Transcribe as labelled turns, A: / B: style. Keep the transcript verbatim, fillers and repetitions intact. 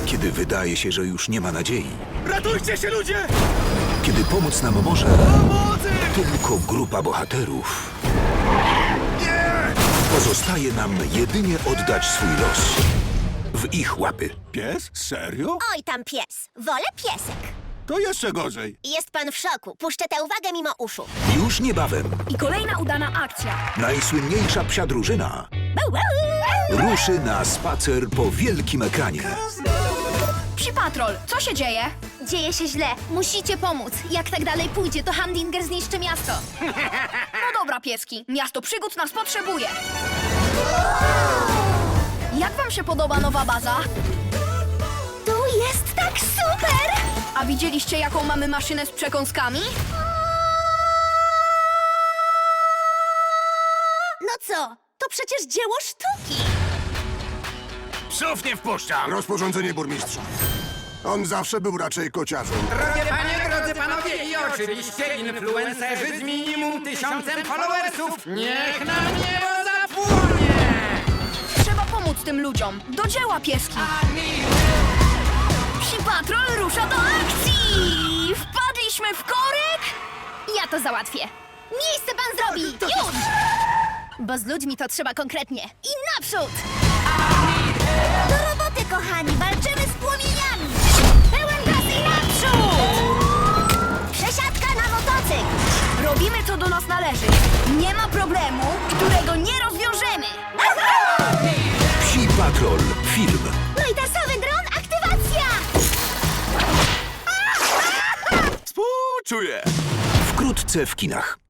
A: Kiedy wydaje się, że już nie ma nadziei.
B: Ratujcie się, ludzie!
A: Kiedy pomóc nam może
B: Pomocy!
A: tylko grupa bohaterów. Pozostaje nam jedynie oddać swój los w ich łapy.
B: Pies? Serio?
C: Oj tam pies. Wolę piesek.
B: To jeszcze gorzej.
C: Jest pan w szoku. Puszczę tę uwagę mimo uszu.
A: Już niebawem
D: I kolejna udana akcja.
A: najsłynniejsza psia drużyna
C: Bau, bau.
A: ruszy na spacer po wielkim ekranie.
D: Psi Patrol, co się dzieje?
E: Dzieje się źle. Musicie pomóc. Jak tak dalej pójdzie, to Hamdinger zniszczy miasto.
D: No dobra, pieski. Miasto przygód nas potrzebuje. Jak wam się podoba nowa baza?
E: Tu jest tak super!
D: A widzieliście, jaką mamy maszynę z przekąskami?
C: No co? To przecież dzieło sztuki.
B: Psów nie wpuszczam!
F: Rozporządzenie burmistrza. On zawsze był raczej kociarzem.
G: Drogie panie, drodzy panowie i oczywiście influencerzy z minimum tysiącem followersów. Niech nam niebo zapłonie!
D: Trzeba pomóc tym ludziom. Do dzieła, pieski. Psi Patrol rusza do akcji! Wpadliśmy w korek?
E: Ja to załatwię. Miejsce pan zrobi! Już! Bo z ludźmi to trzeba konkretnie. I naprzód!
C: Do roboty, kochani. Walczymy z płomieniami. Pełen gaz i naprzód! Przesiadka na motocykl.
D: Robimy, co do nas należy. Nie ma problemu, którego nie rozwiążemy.
A: Psi Patrol. Film.
C: No i tasowy dron, aktywacja!
B: Współczuję!
A: Wkrótce w kinach.